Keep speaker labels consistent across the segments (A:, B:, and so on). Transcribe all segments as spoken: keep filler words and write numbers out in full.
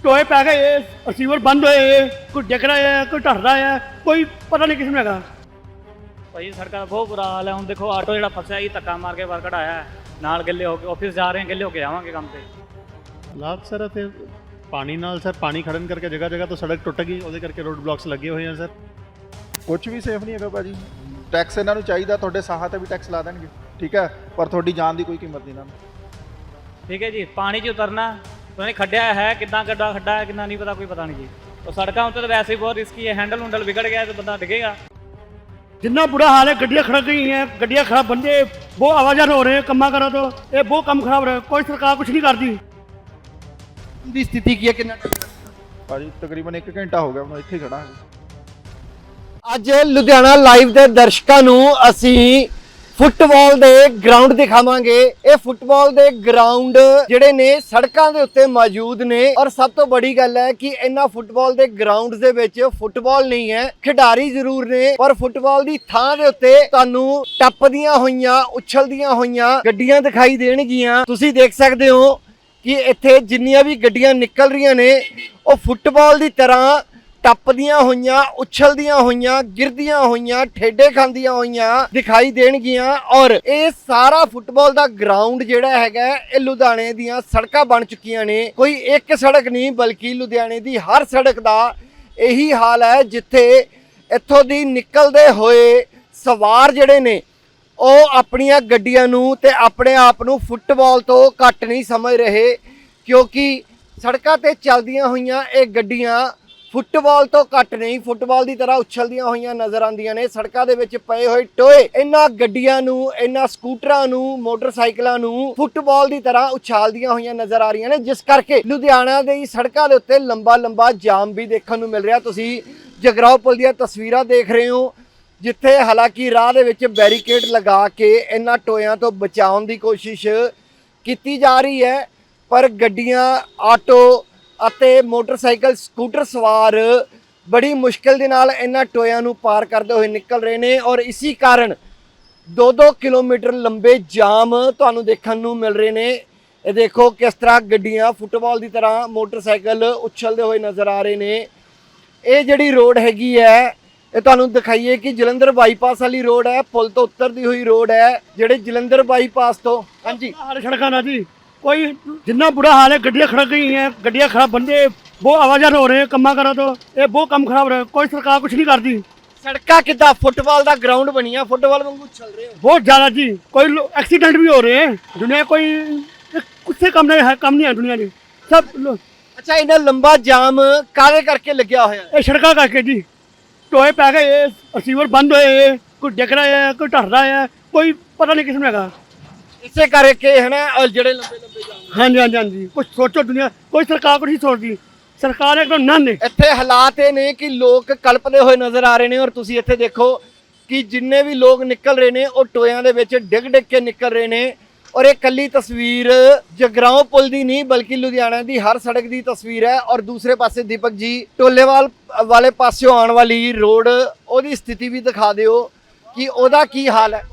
A: ਟੋਏ ਪੈ ਗਏ, ਰਿਸੀਵਰ ਬੰਦ ਹੋਏ, ਕੋਈ ਡਿੱਗ ਰਿਹਾ ਹੈ, ਕੋਈ ਢੱਟ ਰਿਹਾ ਹੈ, ਕੋਈ ਪਤਾ ਨਹੀਂ ਕਿਸ ਨੂੰ ਹੈਗਾ।
B: ਭਾਈ ਸੜਕਾਂ ਦਾ ਬਹੁਤ ਬੁਰਾ ਹਾਲ ਹੈ। ਹੁਣ ਦੇਖੋ ਆਟੋ ਜਿਹੜਾ ਫਸਿਆ ਜੀ ਧੱਕਾ ਮਾਰ ਕੇ ਬਾਹਰ ਕਢਾਇਆ ਹੈ, ਨਾਲ ਗਿੱਲੇ ਹੋ ਕੇ ਆਫਿਸ ਜਾ ਰਹੇ ਹਾਂ, ਗਿੱਲੇ ਹੋ ਕੇ ਜਾਵਾਂਗੇ ਕੰਮ ਤੇ।
C: ਹਾਲਾਤ ਸਰ ਅਤੇ ਪਾਣੀ ਨਾਲ ਸਰ ਪਾਣੀ ਖੜਨ ਕਰਕੇ ਜਗ੍ਹਾ ਜਗ੍ਹਾ ਤੋਂ ਸੜਕ ਟੁੱਟ ਗਈ, ਉਹਦੇ ਕਰਕੇ ਰੋਡ ਬਲੌਕਸ ਲੱਗੇ ਹੋਏ ਆ ਸਰ।
D: ਕੁਝ ਵੀ ਸੇਫ ਨਹੀਂ ਹੈਗਾ ਭਾਜੀ। ਟੈਕਸ ਇਹਨਾਂ ਨੂੰ ਚਾਹੀਦਾ, ਤੁਹਾਡੇ ਸਾਹਾਂ ਤੇ ਵੀ ਟੈਕਸ ਲਾ ਦੇਣਗੇ, ਠੀਕ ਹੈ, ਪਰ ਤੁਹਾਡੀ ਜਾਨ ਦੀ ਕੋਈ ਕੀਮਤ ਨਹੀਂ ਇਹਨਾਂ ਨੂੰ।
B: ਠੀਕ ਹੈ ਜੀ, ਪਾਣੀ 'ਚ ਉਤਰਨਾ ਪਤਾ ਨਹੀਂ ਖੱਡਿਆ ਹੈ ਕਿੱਦਾਂ, ਗੱਡਾ ਖੱਡਾ ਹੈ ਕਿੰਨਾ ਨਹੀਂ ਪਤਾ, ਕੋਈ ਪਤਾ ਨਹੀਂ ਜੀ। ਉਹ ਸੜਕਾਂ ਉੱਤੇ ਤਾਂ ਵੈਸੇ ਹੀ ਬਹੁਤ ਰਿਸਕੀ ਹੈ, ਹੈਂਡਲ ਹੁੰਡਲ ਵਿਗੜ ਗਿਆ ਤਾਂ ਬੰਦਾ ਡਿੱਗੇਗਾ।
A: जितना बुरा हाल है, गड्डियाँ खड़क गई हैं, गड्डियाँ खराब, बंदे बहुत आवाजान हो रहे हैं, कमा करो तो ये बहुत कम खराब रहे, कोई सरकार कुछ नहीं करती।
E: ਦੀ ਸਥਿਤੀ ਕੀ ਹੈ, ਕਿੰਨਾ
D: ਭਾਜੀ ਤਕਰੀਬਨ ਇੱਕ ਘੰਟਾ ਹੋ ਗਿਆ ਮੈਂ ਇੱਥੇ ਖੜਾ ਹਾਂ।
E: ਅੱਜ ਲੁਧਿਆਣਾ ਲਾਈਵ ਦੇ ਦਰਸ਼ਕਾਂ ਨੂੰ ਅਸੀਂ ਫੁੱਟਬਾਲ ਦੇ ਗਰਾਊਂਡ ਦਿਖਾਵਾਂਗੇ। ਇਹ ਫੁੱਟਬਾਲ ਦੇ ਗਰਾਊਂਡ ਜਿਹੜੇ ਨੇ ਸੜਕਾਂ ਦੇ ਉੱਤੇ ਮੌਜੂਦ ਨੇ, ਔਰ ਸਭ ਤੋਂ ਬੜੀ ਗੱਲ ਹੈ ਕਿ ਇਹਨਾਂ ਫੁੱਟਬਾਲ ਦੇ ਗਰਾਊਂਡਸ ਦੇ ਵਿੱਚ ਫੁੱਟਬਾਲ ਨਹੀਂ ਹੈ, ਖਿਡਾਰੀ ਜ਼ਰੂਰ ਨੇ, ਪਰ ਫੁੱਟਬਾਲ ਦੀ ਥਾਂ ਦੇ ਉੱਤੇ ਤੁਹਾਨੂੰ ਟੱਪਦੀਆਂ ਹੋਈਆਂ, ਉਛਲਦੀਆਂ ਹੋਈਆਂ ਗੱਡੀਆਂ ਦਿਖਾਈ ਦੇਣਗੀਆਂ। ਤੁਸੀਂ ਦੇਖ ਸਕਦੇ ਹੋ ਕਿ ਇੱਥੇ ਜਿੰਨੀਆਂ ਵੀ ਗੱਡੀਆਂ ਨਿਕਲ ਰਹੀਆਂ ਨੇ ਉਹ ਫੁੱਟਬਾਲ ਦੀ ਤਰ੍ਹਾਂ ਟੱਪਦੀਆਂ ਹੋਈਆਂ, ਉਛਲਦੀਆਂ ਹੋਈਆਂ, ਗਿਰਦੀਆਂ ਹੋਈਆਂ, ਠੇਡੇ ਖਾਂਦੀਆਂ ਹੋਈਆਂ ਦਿਖਾਈ ਦੇਣਗੀਆਂ। ਔਰ ਇਹ ਸਾਰਾ ਫੁੱਟਬਾਲ ਦਾ ਗਰਾਊਂਡ ਜਿਹੜਾ ਹੈਗਾ ਇਹ ਲੁਧਿਆਣੇ ਦੀਆਂ ਸੜਕਾਂ ਬਣ ਚੁੱਕੀਆਂ ਨੇ। ਕੋਈ ਇੱਕ ਸੜਕ ਨਹੀਂ ਬਲਕਿ ਲੁਧਿਆਣੇ ਦੀ ਹਰ ਸੜਕ ਦਾ ਇਹੀ ਹਾਲ ਹੈ, ਜਿੱਥੇ ਇੱਥੋਂ ਦੀ ਨਿਕਲਦੇ ਹੋਏ ਸਵਾਰ ਜਿਹੜੇ ਨੇ ਉਹ ਆਪਣੀਆਂ ਗੱਡੀਆਂ ਨੂੰ ਤੇ ਆਪਣੇ ਆਪ ਨੂੰ ਫੁੱਟਬਾਲ ਤੋਂ ਘੱਟ ਨਹੀਂ ਸਮਝ ਰਹੇ, ਕਿਉਂਕਿ ਸੜਕਾਂ ਤੇ ਚੱਲਦੀਆਂ ਹੋਈਆਂ ਇਹ ਗੱਡੀਆਂ ਫੁੱਟਬਾਲ ਤੋਂ ਘੱਟ ਨਹੀਂ, ਫੁੱਟਬਾਲ ਦੀ ਤਰ੍ਹਾਂ ਉਛਲਦੀਆਂ ਹੋਈਆਂ ਨਜ਼ਰ ਆਉਂਦੀਆਂ ਨੇ। ਸੜਕਾਂ ਦੇ ਵਿੱਚ ਪਏ ਹੋਏ ਟੋਏ ਇਹਨਾਂ ਗੱਡੀਆਂ ਨੂੰ, ਇਹਨਾਂ ਸਕੂਟਰਾਂ ਨੂੰ, ਮੋਟਰਸਾਈਕਲਾਂ ਨੂੰ ਫੁੱਟਬਾਲ ਦੀ ਤਰ੍ਹਾਂ ਉਛਾਲਦੀਆਂ ਹੋਈਆਂ ਨਜ਼ਰ ਆ ਰਹੀਆਂ ਨੇ, ਜਿਸ ਕਰਕੇ ਲੁਧਿਆਣਾ ਦੇ ਸੜਕਾਂ ਦੇ ਉੱਤੇ ਲੰਬਾ ਲੰਬਾ ਜਾਮ ਵੀ ਦੇਖਣ ਨੂੰ ਮਿਲ ਰਿਹਾ। ਤੁਸੀਂ ਜਗਰਾਓ ਪੁਲ ਦੀਆਂ ਤਸਵੀਰਾਂ ਦੇਖ ਰਹੇ ਹੋ, ਜਿੱਥੇ ਹਾਲਾਂਕਿ ਰਾਹ ਦੇ ਵਿੱਚ ਬੈਰੀਕੇਡ ਲਗਾ ਕੇ ਇਹਨਾਂ ਟੋਇਆਂ ਤੋਂ ਬਚਾਉਣ ਦੀ ਕੋਸ਼ਿਸ਼ ਕੀਤੀ ਜਾ ਰਹੀ ਹੈ, ਪਰ ਗੱਡੀਆਂ, ਆਟੋ ਅਤੇ ਮੋਟਰਸਾਈਕਲ, ਸਕੂਟਰ ਸਵਾਰ ਬੜੀ ਮੁਸ਼ਕਿਲ ਦੇ ਨਾਲ ਇਹਨਾਂ ਟੋਇਆਂ ਨੂੰ ਪਾਰ ਕਰਦੇ ਹੋਏ ਨਿਕਲ ਰਹੇ ਨੇ। ਔਰ ਇਸੇ ਕਾਰਨ ਦੋ ਦੋ ਕਿਲੋਮੀਟਰ ਲੰਬੇ ਜਾਮ ਤੁਹਾਨੂੰ ਦੇਖਣ ਨੂੰ ਮਿਲ ਰਹੇ ਨੇ। ਇਹ ਦੇਖੋ ਕਿਸ ਤਰ੍ਹਾਂ ਗੱਡੀਆਂ ਫੁੱਟਬਾਲ ਦੀ ਤਰ੍ਹਾਂ, ਮੋਟਰਸਾਈਕਲ ਉਛਲਦੇ ਹੋਏ ਨਜ਼ਰ ਆ ਰਹੇ ਨੇ। ਇਹ ਜਿਹੜੀ ਰੋਡ ਹੈਗੀ ਹੈ ਇਹ ਤੁਹਾਨੂੰ ਦਿਖਾਈਏ ਕਿ ਜਲੰਧਰ ਬਾਈਪਾਸ ਵਾਲੀ ਰੋਡ ਹੈ, ਪੁਲ ਤੋਂ ਉਤਰਦੀ ਹੋਈ ਰੋਡ ਹੈ, ਜਿਹੜੇ ਜਲੰਧਰ ਬਾਈਪਾਸ ਤੋਂ। ਹਾਂਜੀ,
A: हाल सड़क ना जी, कोई जितना बुरा हाल है, गड्डियाँ खड़क गई हैं, गड्डियाँ खराब, बंदे बहुत आवाजान हो रहे हैं, कमा करो तो ये बहुत कम खराब रहे, कोई सरकार कुछ नहीं करती।
E: ਸੜਕਾਂ ਕਿੱਦਾਂ ਫੁੱਟਬਾਲ ਦਾ ਗਰਾਊਂਡ ਬਣੀਆਂ, ਫੁੱਟਬਾਲ ਵਾਂਗੂ ਚੱਲ ਰਹੇ ਹੋ।
A: बहुत ज़्यादा जी, कोई एक्सीडेंट भी हो रहे हैं, दुनिया कोई कुछ से कम नहीं है, कम नहीं है दुनिया की सब लो-
E: ਅੱਛਾ, ਇਹਨਾਂ ਲੰਬਾ ਜਾਮ ਕਾਹਦੇ ਕਰਕੇ ਲੱਗਿਆ ਹੋਇਆ?
A: ये सड़क करके जी, टोए पै गए, रिसीवर बंद होए, कोई डिग रहा है, कोई ढट रहा है, कोई पता नहीं किस में हैगा।
E: ਇਸੇ ਕਰਕੇ ਹੈ ਨਾ ਔਰ ਜਿਹੜੇ ਲੰਬੇ ਲੰਬੇ ਜਾਮ।
A: हाँ जी हाँ जी हाँ जी, कुछ सोचो दुनिया, कोई सरकार कुछ नहीं सोचती, सरकार एकदम नन है।
E: ਇੱਥੇ ਹਾਲਾਤ ਇਹ ਨੇ ਕਿ ਲੋਕ ਕਲਪਦੇ ਹੋਏ ਨਜ਼ਰ ਆ ਰਹੇ ਨੇ, ਔਰ ਤੁਸੀਂ ਇੱਥੇ ਦੇਖੋ ਕਿ ਜਿੰਨੇ ਵੀ ਲੋਕ ਨਿਕਲ ਰਹੇ ਨੇ ਉਹ ਟੋਇਆਂ ਦੇ ਵਿੱਚ ਡਿੱਗ ਡਿੱਗ ਕੇ ਨਿਕਲ ਰਹੇ ਨੇ। ਔਰ ਇਹ ਕੱਲੀ ਤਸਵੀਰ ਜਗਰਾਓ ਪੁਲ ਦੀ ਨਹੀਂ ਬਲਕਿ ਲੁਧਿਆਣਾ ਦੀ ਹਰ ਸੜਕ ਦੀ ਤਸਵੀਰ ਹੈ। ਔਰ ਦੂਸਰੇ ਪਾਸੇ ਦੀਪਕ ਜੀ ਟੋਲੇਵਾਲ ਵਾਲੇ ਪਾਸਿਓਂ ਆਉਣ ਵਾਲੀ ਰੋਡ, ਉਹਦੀ ਸਥਿਤੀ ਵੀ ਦਿਖਾ ਦਿਓ ਕਿ ਉਹਦਾ ਕੀ ਹਾਲ ਹੈ।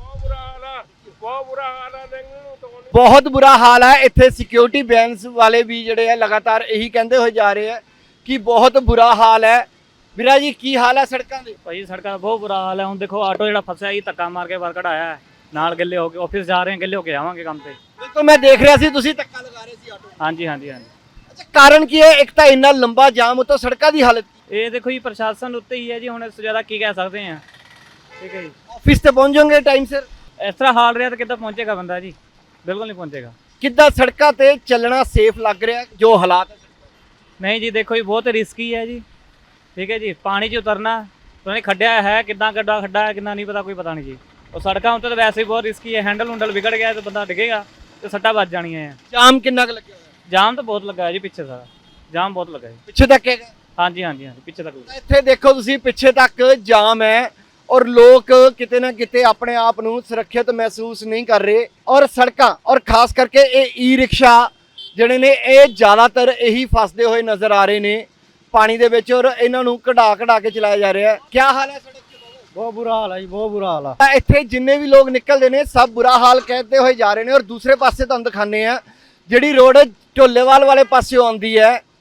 E: ਬਹੁਤ ਬੁਰਾ ਹਾਲ ਹੈ। ਇੱਥੇ ਸਿਕਿਉਰਿਟੀ ਬੈਂਸ ਵਾਲੇ ਵੀ ਜਿਹੜੇ ਹੈ ਲਗਾਤਾਰ ਇਹੀ ਕਹਿੰਦੇ ਹੋਏ ਜਾ ਰਹੇ ਹੈ ਕਿ ਬਹੁਤ ਬੁਰਾ ਹਾਲ ਹੈ। ਵੀਰਾ ਜੀ ਕੀ ਹਾਲ ਹੈ ਸੜਕਾਂ ਦੇ?
B: ਭਾਈ ਸੜਕਾਂ ਦਾ ਬਹੁਤ ਬੁਰਾ ਹਾਲ ਹੈ। ਹੁਣ ਦੇਖੋ ਆਟੋ ਜਿਹੜਾ ਫਸਿਆ ਜੀ ਧੱਕਾ ਮਾਰ ਕੇ ਬਾਹਰ ਕਢਾਇਆ ਹੈ, ਨਾਲ ਗਿੱਲੇ ਹੋ ਕੇ ਆਫਿਸ ਜਾ ਰਹੇ ਹਾਂ, ਗਿੱਲੇ ਹੋ ਕੇ ਜਾਵਾਂਗੇ ਕੰਮ ਤੇ।
E: ਬਿਲਕੁਲ, ਮੈਂ ਦੇਖ ਰਿਹਾ ਸੀ ਤੁਸੀਂ ਧੱਕਾ ਲਗਾ ਰਹੇ ਸੀ ਆਟੋ।
B: ਹਾਂਜੀ ਹਾਂਜੀ ਹਾਂਜੀ।
E: ਅੱਛਾ, ਕਾਰਨ ਕੀ ਹੈ? ਇੱਕ ਤਾਂ ਇੰਨਾ ਲੰਬਾ ਜਾਮ, ਉਤੋਂ ਸੜਕਾਂ ਦੀ ਹਾਲਤ।
B: ਇਹ ਦੇਖੋ ਜੀ ਪ੍ਰਸ਼ਾਸਨ ਉੱਤੇ ਹੀ ਹੈ ਜੀ, ਹੁਣ ਇਸ ਤੋਂ ਜ਼ਿਆਦਾ ਕੀ ਕਹਿ ਸਕਦੇ ਹਾਂ। ਠੀਕ ਹੈ ਜੀ,
E: ਆਫਿਸ ਤੇ ਪਹੁੰਚ ਜਾਓਗੇ ਟਾਈਮ ਸਿਰ?
B: ਇਸ ਤਰ੍ਹਾਂ ਹਾਲ ਰਿਹਾ ਤਾਂ ਕਿੱਦਾਂ ਪਹੁੰਚੇਗਾ ਬੰਦਾ ਜੀ? ਬਿਲਕੁਲ ਨਹੀਂ ਪਹੁੰਚੇਗਾ।
E: ਕਿੱਦਾਂ ਸੜਕਾਂ ਤੇ ਚੱਲਣਾ ਸੇਫ ਲੱਗ ਰਿਹਾ ਜੋ ਹਾਲਾਤ ਹੈ?
B: ਨਹੀਂ ਜੀ, ਦੇਖੋ ਜੀ ਬਹੁਤ ਰਿਸਕੀ ਹੈ ਜੀ। ਠੀਕ ਹੈ ਜੀ, ਪਾਣੀ 'ਚ ਉਤਰਨਾ ਪਤਾ ਨਹੀਂ ਖੱਡਿਆ ਹੈ ਕਿੱਦਾਂ, ਗੱਡਾ ਖੱਡਾ ਹੈ ਕਿੰਨਾ ਨਹੀਂ ਪਤਾ, ਕੋਈ ਪਤਾ ਨਹੀਂ ਜੀ। ਉਹ ਸੜਕਾਂ ਉੱਤੇ ਤਾਂ ਵੈਸੇ ਹੀ ਬਹੁਤ ਰਿਸਕੀ ਹੈ, ਹੈਂਡਲ ਹੁੰਡਲ ਵਿਗੜ ਗਿਆ ਤਾਂ ਬੰਦਾ ਡਿੱਗੇਗਾ ਤੇ ਸੱਟਾਂ ਵੱਜ ਜਾਣੀਆਂ ਹੈ।
E: ਜਾਮ ਕਿੰਨਾ ਕੁ ਲੱਗਿਆ ਹੋਇਆ?
B: ਜਾਮ ਤਾਂ ਬਹੁਤ ਲੱਗਾ ਹੈ ਜੀ, ਪਿੱਛੇ ਸਾਰਾ ਜਾਮ ਬਹੁਤ ਲੱਗਾ ਹੈ।
E: ਪਿੱਛੇ ਤੱਕ ਹੈਗਾ?
B: ਹਾਂਜੀ ਹਾਂਜੀ ਹਾਂਜੀ, ਪਿੱਛੇ ਤੱਕ ਲੱਗਾ।
E: ਇੱਥੇ ਦੇਖੋ ਤੁਸੀਂ, ਪਿੱਛੇ ਤੱਕ ਜਾਮ ਹੈ ਔਰ ਲੋਕ ਕਿਤੇ ਨਾ ਕਿਤੇ ਆਪਣੇ ਆਪ ਨੂੰ ਸੁਰੱਖਿਅਤ ਮਹਿਸੂਸ ਨਹੀਂ ਕਰ ਰਹੇ। ਔਰ ਸੜਕਾਂ ਔਰ ਖਾਸ ਕਰਕੇ ਇਹ ਈ ਰਿਕਸ਼ਾ ਜਿਹੜੇ ਨੇ ਇਹ ਜ਼ਿਆਦਾਤਰ ਇਹੀ ਫਸਦੇ ਹੋਏ ਨਜ਼ਰ ਆ ਰਹੇ ਨੇ ਪਾਣੀ ਦੇ ਵਿੱਚ, ਔਰ ਇਹਨਾਂ ਨੂੰ ਕਢਾ ਕਢਾ ਕੇ ਚਲਾਇਆ ਜਾ ਰਿਹਾ ਹੈ। ਕੀ ਹਾਲ ਹੈ ਸੜਕ ਤੇ?
A: बहुत बुरा हाल है जी, बहुत बुरा हाल है।
E: ਤਾਂ ਇੱਥੇ ਜਿੰਨੇ ਵੀ ਲੋਕ ਨਿਕਲਦੇ ਨੇ ਸਭ ਬੁਰਾ ਹਾਲ ਕਹਿੰਦੇ ਹੋਏ ਜਾ ਰਹੇ ਨੇ। ਔਰ ਦੂਸਰੇ ਪਾਸੇ ਤੁਹਾਨੂੰ ਦਿਖਾਉਂਦੇ ਆ ਜਿਹੜੀ ਰੋਡ ਢੋਲੇਵਾਲ ਵਾਲੇ ਪਾਸਿਓਂ ਆਉਂਦੀ ਹੈ,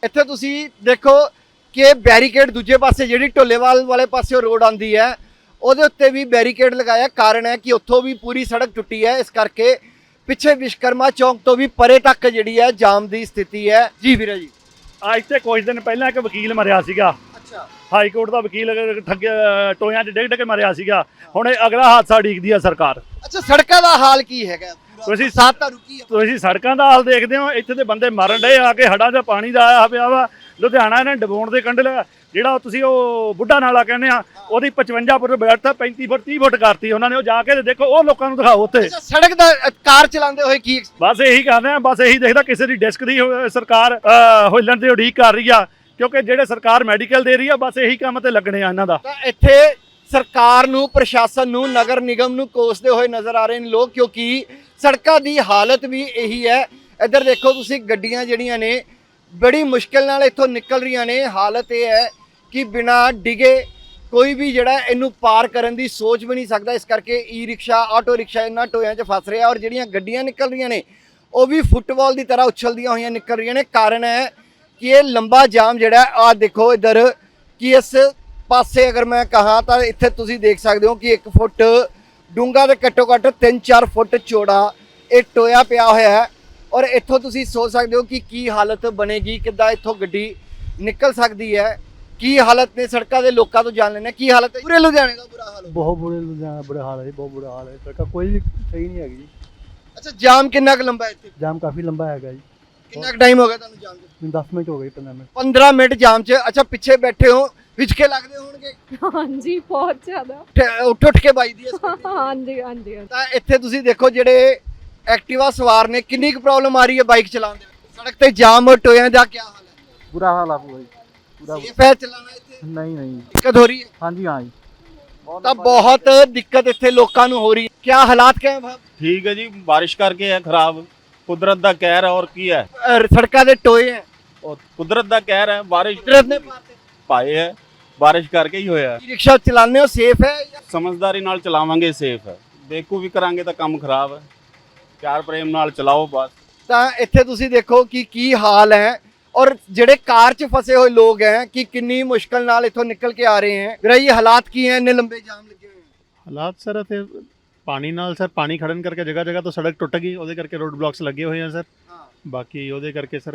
E: ਇੱਥੇ ਤੁਸੀਂ ਦੇਖੋ ਕਿ ਬੈਰੀਕੇਡ ਦੂਜੇ ਪਾਸੇ ਜਿਹੜੀ ਢੋਲੇਵਾਲ ਵਾਲੇ ਪਾਸੇ ਰੋਡ ਆਉਂਦੀ ਹੈ ਉਹਦੇ ਉੱਤੇ ਵੀ ਬੈਰੀਕੇਡ ਲਗਾਇਆ। ਕਾਰਨ ਹੈ ਕਿ ਉੱਥੋਂ ਵੀ ਪੂਰੀ ਸੜਕ ਟੁੱਟੀ ਹੈ, ਇਸ ਕਰਕੇ ਪਿੱਛੇ ਵਿਸ਼ਕਰਮਾ ਚੌਂਕ ਤੋਂ ਵੀ ਪਰੇ ਤੱਕ ਜਿਹੜੀ ਹੈ ਜਾਮ ਦੀ ਸਥਿਤੀ ਹੈ। ਜੀ ਵੀਰੇ ਜੀ,
A: ਅੱਜ ਤੇ ਕੁਝ ਦਿਨ ਪਹਿਲਾਂ ਇੱਕ ਵਕੀਲ ਮਰਿਆ ਸੀਗਾ,
E: ਅੱਛਾ
A: ਹਾਈ ਕੋਰਟ ਦਾ ਵਕੀਲ ਠੱਗਿਆ ਟੋਇਆਂ 'ਚ ਡਿੱਗ ਡਿੱਗ ਕੇ ਮਰਿਆ ਸੀਗਾ। ਹੁਣ ਇਹ ਅਗਲਾ ਹਾਦਸਾ ਉਡੀਕਦੀ ਆ ਸਰਕਾਰ।
E: ਅੱਛਾ, ਸੜਕਾਂ ਦਾ ਹਾਲ ਕੀ ਹੈਗਾ?
A: ਤੁਸੀਂ
E: ਸਾਥ ਤਾਂ ਰੁਕੀ ਹੈ।
A: ਤੁਸੀਂ ਸੜਕਾਂ ਦਾ ਹਾਲ ਦੇਖਦੇ ਹੋ, ਇੱਥੇ ਦੇ ਬੰਦੇ ਮਰਨ ਡਏ ਆ ਕੇ, ਹੜਾਂ 'ਚ ਪਾਣੀ ਦਾ ਆਇਆ ਪਿਆ ਵਾ। ਲੁਧਿਆਣਾ ਇਹਨੇ ਡਬੋਣ ਦੇ ਕੰਢੇ ਲਿਆ, ਜਿਹੜਾ ਤੁਸੀਂ ਉਹ ਬੁੱਢਾ ਨਾਲਾ ਕਹਿੰਦੇ ਆ, ਉਹਦੀ ਪਚਵੰਜਾ ਫੁੱਟ ਬੈਠ ਪੈਂਤੀ ਫੁੱਟ ਤੀਹ ਫੁੱਟ ਕਰਤੀ ਉਹਨਾਂ ਨੇ। ਉਹ ਜਾ ਕੇ ਤੇ ਦੇਖੋ, ਉਹ ਲੋਕਾਂ ਨੂੰ ਦਿਖਾਓ ਉੱਥੇ।
E: ਅੱਛਾ, ਸੜਕ ਦਾ ਅ, ਕਾਰ ਚਲਾਉਂਦੇ ਹੋਏ ਕੀ
A: ਬਸ ਇਹੀ ਕਰਦੇ ਆ, ਬਸ ਇਹੀ ਦੇਖਦਾ ਕਿਸੇ ਦੀ ਡਿਸਕ ਦੀ ਹੋ- ਸਰਕਾਰ ਅਹ, ਹਿੱਲਣ ਦੀ ਉਡੀਕ ਕਰ ਰਹੀ ਆ, ਕਿਉਂਕਿ ਜਿਹੜੇ ਸਰਕਾਰ ਮੈਡੀਕਲ ਦੇ ਰਹੀ ਆ, ਬਸ ਇਹੀ ਕੰਮ ਤੇ ਲੱਗਣੇ ਆ ਇਹਨਾਂ ਦਾ।
E: ਤਾਂ ਇੱਥੇ ਸਰਕਾਰ ਨੂੰ, ਪ੍ਰਸ਼ਾਸਨ ਨੂੰ, ਨਗਰ ਨਿਗਮ ਨੂੰ ਕੋਸਦੇ ਹੋਏ ਨਜ਼ਰ ਆ ਰਹੇ ਨੇ ਲੋਕ, ਕਿਉਂਕਿ ਸੜਕਾਂ ਦੀ ਹਾਲਤ ਵੀ ਇਹੀ ਹੈ। ਇੱਧਰ ਦੇਖੋ ਤੁਸੀਂ, ਗੱਡੀਆਂ ਜਿਹੜੀਆਂ ਨੇ ਬੜੀ ਮੁਸ਼ਕਿਲ ਨਾਲ ਇੱਥੋਂ ਨਿਕਲ ਰਹੀਆਂ ਨੇ। ਹਾਲਤ ਇਹ ਹੈ ਕਿ ਬਿਨਾਂ ਡਿਗੇ ਕੋਈ ਵੀ ਜਿਹੜਾ ਇਹਨੂੰ ਪਾਰ ਕਰਨ ਦੀ ਸੋਚ ਵੀ ਨਹੀਂ ਸਕਦਾ। ਇਸ ਕਰਕੇ ਈ ਰਿਕਸ਼ਾ, ਆਟੋ ਰਿਕਸ਼ਾ ਇਹਨਾਂ ਟੋਇਆਂ 'ਚ ਫਸ ਰਿਹਾ, ਔਰ ਜਿਹੜੀਆਂ ਗੱਡੀਆਂ ਨਿਕਲ ਰਹੀਆਂ ਨੇ ਉਹ ਵੀ ਫੁੱਟਬਾਲ ਦੀ ਤਰ੍ਹਾਂ ਉਛਲਦੀਆਂ ਹੋਈਆਂ ਨਿਕਲ ਰਹੀਆਂ ਨੇ। ਕਾਰਨ ਹੈ ਕਿ ਇਹ ਲੰਬਾ ਜਾਮ ਜਿਹੜਾ, ਆਹ ਦੇਖੋ ਇੱਧਰ, ਕਿ ਇਸ ਪਾਸੇ ਅਗਰ ਮੈਂ ਕਹਾਂ ਤਾਂ ਇੱਥੇ ਤੁਸੀਂ ਦੇਖ ਸਕਦੇ ਹੋ ਕਿ ਇੱਕ ਫੁੱਟ ਡੂੰਘਾ ਤੇ ਘੱਟੋ ਘੱਟ ਤਿੰਨ ਚਾਰ ਫੁੱਟ ਚੌੜਾ ਇਹ ਟੋਇਆ ਪਿਆ ਹੋਇਆ ਹੈ। ਔਰ ਇੱਥੋਂ ਤੁਸੀਂ ਸੋਚ ਸਕਦੇ ਹੋ ਕਿ ਕੀ ਹਾਲਤ ਬਣੇਗੀ, ਕਿੱਦਾਂ ਇੱਥੋਂ ਗੱਡੀ ਨਿਕਲ ਸਕਦੀ ਹੈ, ਕੀ ਹਾਲਤ ਨੇ ਸੜਕਾਂ ਦੇ। ਲੋਕਾਂ ਤੋਂ ਜਾਣ ਲੈਣਾ ਕੀ ਹਾਲਤ ਹੈ। ਪੂਰੇ ਲੁਧਿਆਣੇ ਦਾ ਬੁਰਾ ਹਾਲ ਹੈ।
A: ਬਹੁਤ ਬੁਰੇ ਲੁਧਿਆਣਾ ਬੁਰਾ ਹਾਲ ਹੈ ਜੀ, ਬਹੁਤ ਬੁਰਾ ਹਾਲ ਹੈ। ਸੜਕਾਂ ਕੋਈ ਵੀ ਸਹੀ ਨਹੀਂ ਹੈਗੀ ਜੀ।
E: ਅੱਛਾ, ਜਾਮ ਕਿੰਨਾ ਕੁ ਲੰਬਾ ਹੈ ਇੱਥੇ?
A: ਜਾਮ ਕਾਫੀ ਲੰਬਾ ਹੈਗਾ ਜੀ।
E: ਕਿੰਨਾ ਕੁ ਟਾਈਮ ਹੋ ਗਿਆ ਤੁਹਾਨੂੰ ਜਾਮ 'ਚ?
A: ਮੈਨੂੰ ਦਸ ਮਿੰਟ ਹੋ ਗਏ, ਪੰਦਰਾਂ ਮਿੰਟ।
E: ਪੰਦਰਾਂ ਮਿੰਟ ਜਾਮ 'ਚ। ਅੱਛਾ, ਪਿੱਛੇ ਬੈਠੇ ਹੋ, ਵਿਚਕੇ ਲੱਗਦੇ ਹੋਣਗੇ।
F: ਹਾਂਜੀ, ਬਹੁਤ ਜ਼ਿਆਦਾ।
E: ਉੱਠ- ਉੱਠ ਉੱਠ ਕੇ ਵੱਜਦੀ ਹੈ ਸਕੂਟੀ।
F: ਹਾਂਜੀ ਹਾਂਜੀ ਹਾਂਜੀ।
E: ਤਾਂ ਇੱਥੇ ਤੁਸੀਂ ਦੇਖੋ ਜਿਹੜੇ ਐਕਟਿਵਾ ਸਵਾਰ ਨੇ, ਕਿੰਨੀ ਕੁ ਪ੍ਰੋਬਲਮ ਆ ਰਹੀ ਹੈ ਬਾਈਕ ਚਲਾਉਣ ਦੇ ਵਿੱਚ। ਸੜਕ ਤੇ ਜਾਮ ਔਰ ਟੋਇਆਂ ਦਾ ਕੀ ਹਾਲ ਹੈ?
G: बुरा हाल है पूरा पूरा
E: ਸੇਫ ਹੈ ਚਲਾਉਣਾ ਇੱਥੇ?
G: नहीं नहीं
E: ਦਿੱਕਤ ਹੋ ਰਹੀ ਹੈ?
G: हाँ जी हाँ जी
E: ਤਾਂ ਬਹੁਤ ਦਿੱਕਤ ਇੱਥੇ ਲੋਕਾਂ ਨੂੰ ਹੋ ਰਹੀ ਹੈ। ਕੀ ਹਾਲਾਤ ਕਿਆ ਹੈ ਭਾਈ?
H: ਠੀਕ ਹੈ ਜੀ, ਬਾਰਿਸ਼ ਕਰਕੇ ਹੈ ਖਰਾਬ, ਕੁਦਰਤ ਦਾ ਕਹਿਰ ਹੈ। ਔਰ ਕੀ ਹੈ,
E: ਅਹ ਸੜਕਾਂ ਦੇ ਟੋਏ ਹੈ,
H: ਉਹ ਕੁਦਰਤ ਦਾ ਕਹਿਰ ਹੈ। ਬਾਰਿਸ਼
E: ਕੁਦਰਤ ਨੇ ਪਾਤੇ।
H: ਪਾਏ ਹੈ, ਬਾਰਿਸ਼ ਕਰਕੇ ਹੀ ਹੋਇਆ।
E: ਈ ਰਿਕਸ਼ਾ ਚਲਾਉਂਦੇ ਹੋ, ਸੇਫ ਹੈ?
H: ਸਮਝਦਾਰੀ ਨਾਲ ਚਲਾਵਾਂਗੇ ਸੇਫ ਹੈ, ਬੇਕੂ ਵੀ ਕਰਾਂਗੇ ਤਾਂ ਕੰਮ ਖਰਾਬ ਹੈ। ਪਿਆਰ ਪ੍ਰੇਮ ਨਾਲ ਚਲਾਓ ਬਸ।
E: ਤਾਂ ਇੱਥੇ ਤੁਸੀਂ ਦੇਖੋ ਕਿ ਕੀ ਹਾਲ ਹੈ, ਔਰ ਜਿਹੜੇ ਕਾਰ 'ਚ ਫਸੇ ਹੋਏ ਲੋਕ ਹੈ ਕਿ ਕਿੰਨੀ ਮੁਸ਼ਕਲ ਨਾਲ ਇੱਥੋਂ ਨਿਕਲ ਕੇ ਆ ਰਹੇ ਹੈ। ਵੀਰਾ ਇਹ ਹਾਲਾਤ ਕੀ ਹੈ, ਇੰਨੇ ਲੰਬੇ ਜਾਮ ਲੱਗੇ ਹੋਏ ਹੈ?
C: ਹਾਲਾਤ ਸਰ ਇੱਥੇ ਪਾਣੀ ਨਾਲ ਸਰ ਪਾਣੀ ਖੜਨ ਕਰਕੇ ਜਗ੍ਹਾ ਜਗ੍ਹਾ ਤੋਂ ਸੜਕ ਟੁੱਟ ਗਈ, ਉਹਦੇ ਕਰਕੇ ਰੋਡ ਬਲੌਕਸ ਲੱਗੇ ਹੋਏ ਆ ਸਰ।
E: ਹਾਂ।
C: ਬਾਕੀ ਉਹਦੇ ਕਰਕੇ ਸਰ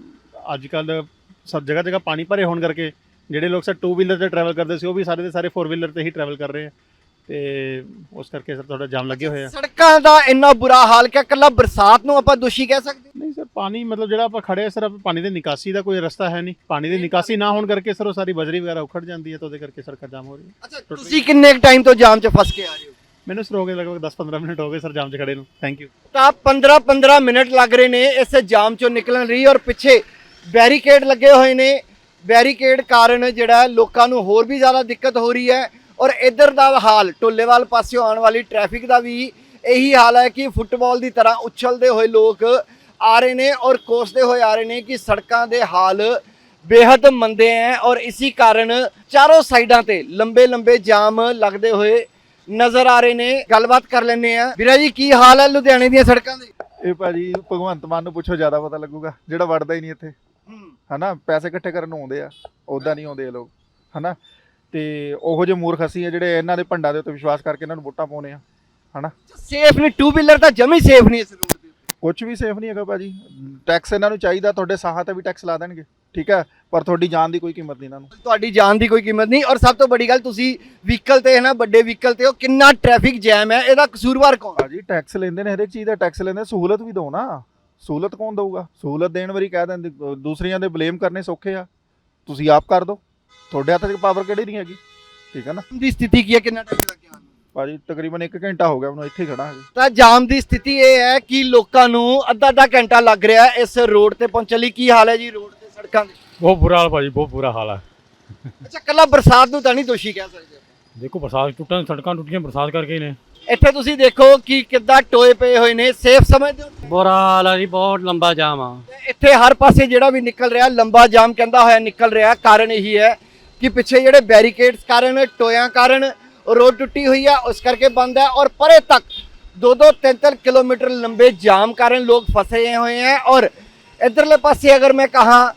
C: ਅੱਜ ਕੱਲ ਸਭ ਜਗ੍ਹਾ ਜਗ੍ਹਾ ਪਾਣੀ ਭਰੇ ਹੋਣ ਕਰਕੇ ਜਿਹੜੇ ਲੋਕ ਸਰ ਟੂ ਵੀਲਰ ਤੇ ਟਰੈਵਲ ਕਰਦੇ ਸੀ ਉਹ ਵੀ ਸਾਰੇ ਦੇ ਸਾਰੇ ਫੋਰ ਵੀਲਰ ਤੇ ਹੀ ਟਰੈਵਲ ਕਰ ਰਹੇ ਆ, ਤੇ ਉਸ ਕਰਕੇ ਸਰ ਥੋੜਾ ਜਾਮ ਲੱਗੇ ਹੋਏ ਆ।
E: ਸੜਕਾਂ ਦਾ ਇੰਨਾ ਬੁਰਾ ਹਾਲ ਕਿ ਇਕੱਲਾ ਬਰਸਾਤ ਨੂੰ ਆਪਾਂ ਦੋਸ਼ੀ ਕਹਿ ਸਕਦੇ?
C: ਨਹੀਂ ਸਰ, ਪਾਣੀ ਮਤਲਬ ਜਿਹੜਾ ਆਪਾਂ ਖੜੇ ਆ ਸਰ, ਪਾਣੀ ਦੇ ਨਿਕਾਸੀ ਦਾ ਕੋਈ ਰਸਤਾ ਹੈ ਨਹੀਂ। ਪਾਣੀ ਦੀ ਨਿਕਾਸੀ ਨਾ ਹੋਣ ਕਰਕੇ ਸਰ ਉਹ ਸਾਰੀ ਬਜਰੀ ਵਗੈਰਾ ਉਖੜ ਜਾਂਦੀ ਹੈ, ਤਾਂ ਉਹਦੇ ਕਰਕੇ ਸੜਕਾਂ ਜਾਮ ਹੋ ਰਹੀ ਹੈ।
E: ਅੱਛਾ, ਤੁਸੀਂ ਕਿੰਨੇ ਟਾਈਮ ਤੋਂ ਜਾਮ 'ਚ ਫਸ ਕੇ ਆ ਰਹੇ ਹੋ?
C: ਮੈਨੂੰ ਸਰ ਹੋ ਗਏ ਲਗਭਗ ਦਸ ਪੰਦਰਾਂ ਮਿੰਟ ਹੋ ਗਏ ਸਰ ਜਾਮ 'ਚ ਖੜੇ ਨੂੰ। Thank you.
E: ਤਾਂ ਪੰਦਰਾਂ ਪੰਦਰਾਂ ਮਿੰਟ ਲੱਗ ਰਹੇ ਨੇ ਇਸ ਜਾਮ 'ਚੋਂ ਨਿਕਲਣ ਲਈ, ਔਰ ਪਿੱਛੇ ਬੈਰੀਕੇਡ ਲੱਗੇ ਹੋਏ ਨੇ। ਬੈਰੀਕੇਡ ਕਾਰਨ ਜਿਹੜਾ ਲੋਕਾਂ ਨੂੰ ਹੋਰ ਵੀ ਜ਼ਿਆਦਾ ਦਿੱਕਤ ਹੋ ਰਹੀ ਹੈ। ਔਰ ਇੱਧਰ ਦਾ ਹਾਲ, ਢੋਲੇਵਾਲ ਪਾਸਿਓਂ ਆਉਣ ਵਾਲੀ ਟ੍ਰੈਫਿਕ ਦਾ ਵੀ ਇਹੀ ਹਾਲ ਹੈ ਕਿ ਫੁੱਟਬਾਲ ਦੀ ਤਰ੍ਹਾਂ ਉਛਲਦੇ ਹੋਏ ਲੋਕ ਆ ਰਹੇ ਨੇ ਔਰ ਕੋਸਦੇ ਹੋਏ ਆ ਰਹੇ ਨੇ ਕਿ ਸੜਕਾਂ ਦੇ ਹਾਲ ਬੇहद ਮੰਦੇ ਹੈ। ਔਰ ਇਸੇ ਕਾਰਨ ਚਾਰੋਂ ਸਾਈਡਾਂ ਤੇ ਲੰਬੇ ਲੰਬੇ ਜਾਮ ਲੱਗਦੇ ਹੋਏ ਨਜ਼ਰ ਆ ਰਹੇ ਨੇ। ਗੱਲਬਾਤ ਕਰ ਲੈਂਦੇ ਆ। ਵੀਰਾ ਜੀ, ਕੀ ਹਾਲ ਹੈ ਲੁਧਿਆਣੇ ਦੀਆਂ ਸੜਕਾਂ ਦੇ?
D: ਇਹ ਭਾਜੀ ਭਗਵੰਤ ਮਾਨ ਨੂੰ ਪੁੱਛੋ, ਜ਼ਿਆਦਾ ਪਤਾ ਲੱਗੂਗਾ, ਜਿਹੜਾ ਵੜਦਾ ਹੀ ਨਹੀਂ ਇੱਥੇ, ਹਨਾ। ਪੈਸੇ ਇਕੱਠੇ ਕਰਨ ਨੂੰ ਆਉਂਦੇ ਆ, ਉੱਦਾਂ ਨਹੀਂ ਆਉਂਦੇ ਇਹ ਲੋਕ, ਹਨਾ। ਤੇ ਉਹੋ ਜਿਹੇ ਮੂਰਖ ਅਸੀਂ ਆ ਜਿਹੜੇ ਇਹਨਾਂ ਦੇ ਭੰਡਾਂ ਦੇ ਉੱਤੇ ਵਿਸ਼ਵਾਸ ਕਰਕੇ ਇਹਨਾਂ ਨੂੰ ਵੋਟਾਂ ਪਾਉਣੇ ਆ, ਹਨਾ।
E: ਸੇਫ ਨਹੀਂ, ਟੂ ਵੀਲਰ ਤਾਂ ਜਮੀ ਸੇਫ ਨਹੀਂ ਇਸ ਰੋਡ ਤੇ।
D: ਕੁਝ ਵੀ ਸੇਫ ਨਹੀਂ ਹੈਗਾ ਭਾਜੀ। ਟੈਕਸ ਇਹਨਾਂ ਨੂੰ ਚਾਹੀਦਾ, ਤੁਹਾਡੇ ਸਾਹਾਂ ਤੇ ਵੀ ਟੈਕਸ ਲਾ ਦੇਣਗੇ, ਠੀਕ ਹੈ, ਪਰ ਤੁਹਾਡੀ ਜਾਨ ਦੀ ਕੋਈ ਕੀਮਤ ਨਹੀਂ ਇਹਨਾਂ ਨੂੰ।
E: ਤੁਹਾਡੀ ਜਾਨ ਦੀ ਕੋਈ ਕੀਮਤ ਨਹੀਂ। ਔਰ ਸਭ ਤੋਂ ਵੱਡੀ ਗੱਲ, ਤੁਸੀਂ ਵਹੀਕਲ ਤੇ ਹੈ ਨਾ, ਵੱਡੇ ਵਹੀਕਲ ਤੇ ਹੋ, ਕਿੰਨਾ ਟ੍ਰੈਫਿਕ ਜੈਮ ਹੈ, ਇਹਦਾ ਕਸੂਰਵਾਰ ਕੌਣ?
D: ਭਾਜੀ ਟੈਕਸ ਲੈਂਦੇ ਨੇ, ਹਰੇਕ ਚੀਜ਼ ਦਾ ਟੈਕਸ ਲੈਂਦੇ, ਸਹੂਲਤ ਵੀ ਦਿਓ ਨਾ। ਸਹੂਲਤ ਕੌਣ ਦਊਗਾ? ਸਹੂਲਤ ਦੇਣ ਵਾਰੀ ਕਹਿ ਦਿੰਦੇ, ਦੂਸਰਿਆਂ ਦੇ ਬਲੇਮ ਕਰਨੇ ਸੌਖੇ ਆ, ਤੁਸੀਂ ਆਪ ਕਰ ਦਿਓ। ਤੁਹਾਡੇ ਹੱਥ 'ਚ ਪਾਵਰ ਕਿਹੜੀ ਨਹੀਂ ਹੈਗੀ, ਠੀਕ ਹੈ ਨਾ।
E: ਦੀ ਸਥਿਤੀ ਕੀ ਹੈ, ਕਿੰਨਾ ਟਾਈਮ ਲੱਗਿਆ ਤੁਹਾਨੂੰ?
D: ਭਾਜੀ ਤਕਰੀਬਨ ਇੱਕ ਘੰਟਾ ਹੋ ਗਿਆ ਮੈਨੂੰ ਇੱਥੇ ਖੜਾ ਹਾਂ।
E: ਤਾਂ ਜਾਮ ਦੀ ਸਥਿਤੀ ਇਹ ਹੈ ਕਿ ਲੋਕਾਂ ਨੂੰ ਅੱਧਾ ਅੱਧਾ ਘੰਟਾ ਲੱਗ ਰਿਹਾ ਹੈ ਇਸ ਰੋਡ ਤੇ ਪਹੁੰਚਣ ਲਈ। ਕੀ ਹਾਲ ਹੈ ਜੀ ਰੋਡ ਤੇ, ਸੜਕਾਂ ਦੇ?
A: ਬਹੁਤ ਬੁਰਾ ਹਾਲ ਭਾਜੀ, ਬਹੁਤ ਬੁਰਾ ਹਾਲ ਹੈ।
E: ਅੱਛਾ, ਕੱਲਾ ਬਰਸਾਤ ਨੂੰ ਤਾਂ ਨਹੀਂ ਦੋਸ਼ੀ ਕਹਿ ਸਕਦੇ?
A: ਦੇਖੋ, ਬਰਸਾਤ ਟੁੱਟਣ, ਸੜਕਾਂ ਟੁੱਟੀਆਂ ਬਰਸਾਤ ਕਰਕੇ ਹੀ ਨੇ।
E: ਇੱਥੇ ਤੁਸੀਂ ਦੇਖੋ ਕਿ ਕਿੱਦਾਂ ਟੋਏ ਪਏ ਹੋਏ ਨੇ। ਸੇਫ ਸਮਝਦੇ ਹੋ?
B: ਬੁਰਾ ਹਾਲ ਹੈ ਜੀ, ਬਹੁਤ ਲੰਬਾ ਜਾਮ ਆ।
E: ਤੇ ਇੱਥੇ ਹਰ ਪਾਸੇ ਜਿਹੜਾ ਵੀ ਨਿਕਲ ਰਿਹਾ ਲੰਬਾ ਜਾਮ ਕਹਿੰਦਾ ਹੋਇਆ ਨਿਕਲ ਰਿਹਾ। ਕਾਰਨ ਇਹੀ ਹੈ ਕਿ ਪਿੱਛੇ ਜਿਹੜੇ ਬੈਰੀਕੇਡਸ ਕਾਰਨ, ਟੋਇਆਂ ਕਾਰਨ ਰੋਡ ਟੁੱਟੀ ਹੋਈ ਹੈ, ਉਸ ਕਰਕੇ ਬੰਦ ਹੈ। ਔਰ ਪਰੇ ਤੱਕ ਦੋ ਦੋ ਤਿੰਨ ਤਿੰਨ ਕਿਲੋਮੀਟਰ ਲੰਬੇ ਜਾਮ ਕਾਰਨ ਲੋਕ ਫਸੇ ਹੋਏ हैं। और इधरले पासे अगर मैं कहा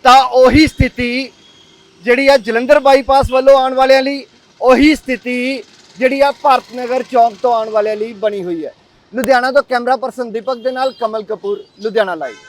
E: ਤਾਂ ਉਹੀ ਸਥਿਤੀ ਜਿਹੜੀ ਆ ਜਲੰਧਰ ਬਾਈਪਾਸ ਵੱਲੋਂ ਆਉਣ ਵਾਲਿਆਂ ਲਈ, ਉਹੀ ਸਥਿਤੀ ਜਿਹੜੀ ਆ ਭਾਰਤ ਨਗਰ ਚੌਂਕ ਤੋਂ ਆਉਣ ਵਾਲਿਆਂ ਲਈ ਬਣੀ ਹੋਈ ਹੈ। ਲੁਧਿਆਣਾ ਤੋਂ ਕੈਮਰਾ ਪਰਸਨ ਦੀਪਕ ਦੇ ਨਾਲ ਕਮਲ ਕਪੂਰ, ਲੁਧਿਆਣਾ ਲਾਈਵ।